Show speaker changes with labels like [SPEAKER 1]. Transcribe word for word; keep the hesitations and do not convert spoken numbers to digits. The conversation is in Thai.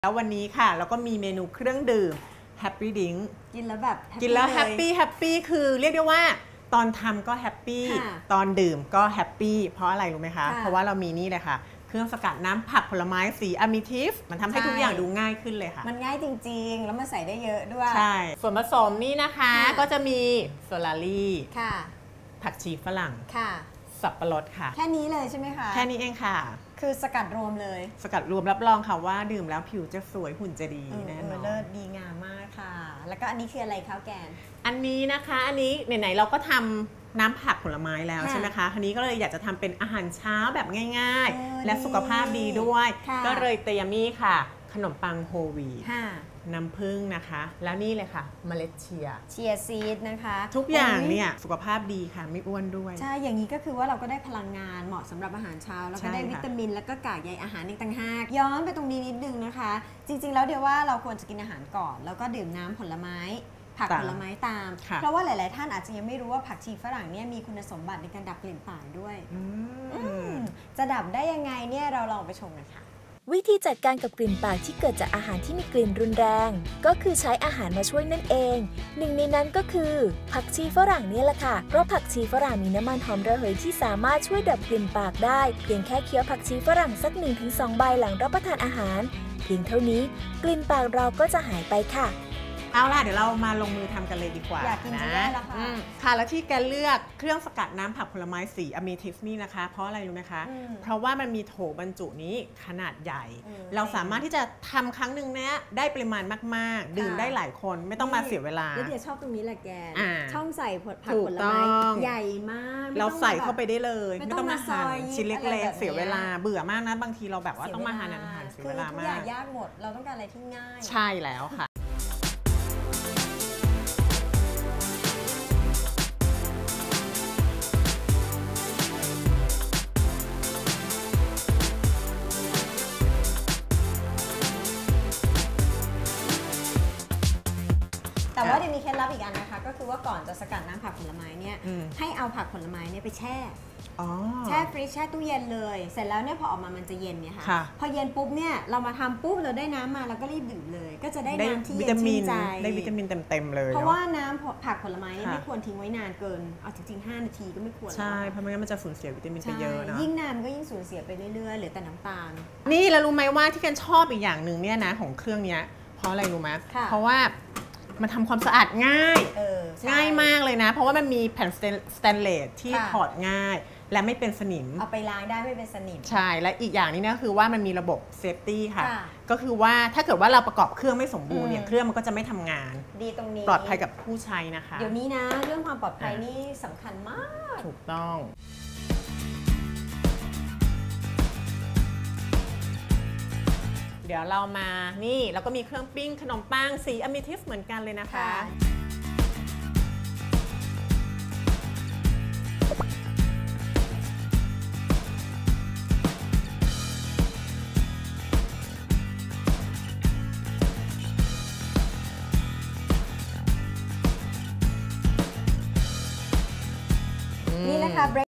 [SPEAKER 1] แล้ววันนี้ค่ะเราก็มีเมนูเครื่องดื่ม Happy Drink
[SPEAKER 2] กินแล้วแบบ
[SPEAKER 1] กินแล้วแฮปปี้แฮปปี้คือเรียกได้ว่าตอนทำก็แฮปปี้ตอนดื่มก็แฮปปี้เพราะอะไรรู้ไหมคะเพราะว่าเรามีนี่เลยค่ะเครื่องสกัดน้ำผักผลไม้สีอะมิทิฟมันทำให้ทุกอย่างดูง่ายขึ้นเลยค่ะ
[SPEAKER 2] มันง่ายจริงๆแล้วมันใส่ได้เยอะด้วย
[SPEAKER 1] ใช่ส่วนผสมนี่นะคะก็จะมีโซลารี่ผักชีฝรั่งสับปะรดค่ะ
[SPEAKER 2] แค่นี้เลยใช่ไหมคะ
[SPEAKER 1] แค่นี้เองค่ะ
[SPEAKER 2] คือสกัดรวมเลย
[SPEAKER 1] สกัดรวมรับรองค่ะว่าดื่มแล้วผิวจะสวยหุ่นจะดีแน่นอน
[SPEAKER 2] เลิศดีงามมากค่ะแล้วก็อันนี้คืออะไรคะแกน
[SPEAKER 1] อันนี้นะคะอันนี้ไหนๆเราก็ทำน้ำผักผลไม้แล้วใช่ไหมคะทีนี้ก็เลยอยากจะทำเป็นอาหารเช้าแบบง่ายๆและสุขภาพดีด้วยก็เลยเตรียมนี่ค่ะขนมปังโฮลวีตน้ำผึ้งนะคะแล้วนี่เลยค่ะเมล็ดเชียร์
[SPEAKER 2] เชียร์ซีดนะคะ
[SPEAKER 1] ทุกอย่างเนี่ยสุขภาพดีค่ะไม่อ้วนด้วย
[SPEAKER 2] ใช่อย่างนี้ก็คือว่าเราก็ได้พลังงานเหมาะสำหรับอาหารเช้าแล้วก็ได้วิตามินแล้วก็กากใยอาหารอีกต่างหากย้อนไปตรงนี้นิดนึงนะคะจริงๆแล้วเดี๋ยวว่าเราควรจะกินอาหารก่อนแล้วก็ดื่มน้ำผลไม้ผักผลไม้ตามเพราะว่าหลายๆท่านอาจจะยังไม่รู้ว่าผักชีฝรั่งเนี่ยมีคุณสมบัติในการดับกลิ่นปากด้วยจะดับได้ยังไงเนี่ยเราลองไปชมกันค่ะ
[SPEAKER 3] วิธีจัดการกับกลิ่นปากที่เกิดจากอาหารที่มีกลิ่นรุนแรงก็คือใช้อาหารมาช่วยนั่นเองหนึ่งในนั้นก็คือผักชีฝรั่งนี่แหละค่ะเพราะผักชีฝรั่งมีน้ำมันหอมระเหยที่สามารถช่วยดับกลิ่นปากได้เพียงแค่เคี้ยวผักชีฝรั่งสัก หนึ่งถึงสอง ใบหลังรับประทานอาหารเพียงเท่านี้กลิ่นปากเราก็จะหายไปค่ะ
[SPEAKER 1] เอาล่ะเดี๋ยวเรามาลงมือทำกันเลยดีกว่า
[SPEAKER 2] อยากกินจะได้แล้วค่ะ
[SPEAKER 1] ค่ะแล้วที่แกเลือกเครื่องสกัดน้ำผักผลไม้สีอะมิทิฟนี่นะคะเพราะอะไรรู้ไหมคะเพราะว่ามันมีโถบรรจุนี้ขนาดใหญ่เราสามารถที่จะทำครั้งหนึ่งเนี้ยได้ปริมาณมากๆดื่มได้หลายคนไม่ต้องมาเสียเวลา
[SPEAKER 2] แล้วเดี๋ยวชอบตรงนี้แหละแกช่องใส่ผักผลไม้ใหญ่มาก
[SPEAKER 1] เราใส่เข้าไปได้เลยไม่ต้องมาหั่นชิ้นเล็กๆเสียเวลาเบื่อมากนะบางทีเราแบบว่าต้องมาหั่นอาหารเสียเวลามาก
[SPEAKER 2] ทุกอย่างยากหมดเราต้องการอะไรที่ง่าย
[SPEAKER 1] ใช่แล้วค่ะ
[SPEAKER 2] แต่ว่าเดี๋ยวมีเคล็ดลับอีกอันนะคะก็คือว่าก่อนจะสกัดน้ำผักผลไม้เนี่ยให้เอาผักผลไม้เนี่ยไปแช่แช่ฟรีซแช่ตู้เย็นเลยเสร็จแล้วเนี่ยพอออกมามันจะเย็นเนี่ยค่ะพอเย็นปุ๊บเนี่ยเรามาทำปุ๊บเราได้น้ำมาเราก็รีบดื่มเลยก็จะได้น้ำที่เย็นชื่นใจ
[SPEAKER 1] ได้วิตามินเต็มๆเลย
[SPEAKER 2] เพราะว่าน้ำผักผลไม้เนี่ยไม่ควรทิ้งไว้นานเกินเอาจริงๆห้านาทีก็ไม่ควร
[SPEAKER 1] ใช่เพราะไม่งั้นมันจะสูญเสียวิตามินไปเยอะนะ
[SPEAKER 2] ยิ่งนานก็ยิ่งสูญเสียไปเรื่อยๆเหลือแต่น้ำตาล
[SPEAKER 1] นี่แล้วรู้ไหมว่าที่กันชอบอีกอย่างหนึ่งเนี่ยนะของเครื่องนี้เพราะอะไรรู้ไหมเพราะว่ามันทำความสะอาดง่ายง่ายมากเลยนะเพราะว่ามันมีแผ่นสแตนเลสที่ถอดง่ายและไม่เป็นสนิม
[SPEAKER 2] เอาไปล้างได้ไม่เป็นสนิม
[SPEAKER 1] ใช่และอีกอย่างนี้นะคือว่ามันมีระบบเซฟตี้ค่ะก็คือว่าถ้าเกิดว่าเราประกอบเครื่องไม่สมบูรณ์เนี่ยเครื่องมันก็จะไม่ทำงาน
[SPEAKER 2] ดีตรงนี้
[SPEAKER 1] ปลอดภัยกับผู้ใช้นะคะ
[SPEAKER 2] เดี๋ยวนี้นะเรื่องความปลอดภัยนี่สำคัญมาก
[SPEAKER 1] ถูกต้องเดี๋ยวเรามานี่แล้วก็มีเครื่องปิ้งขนมปังสีอะมิทิฟเหมือนกันเลยนะคะ
[SPEAKER 2] นี่นะคะ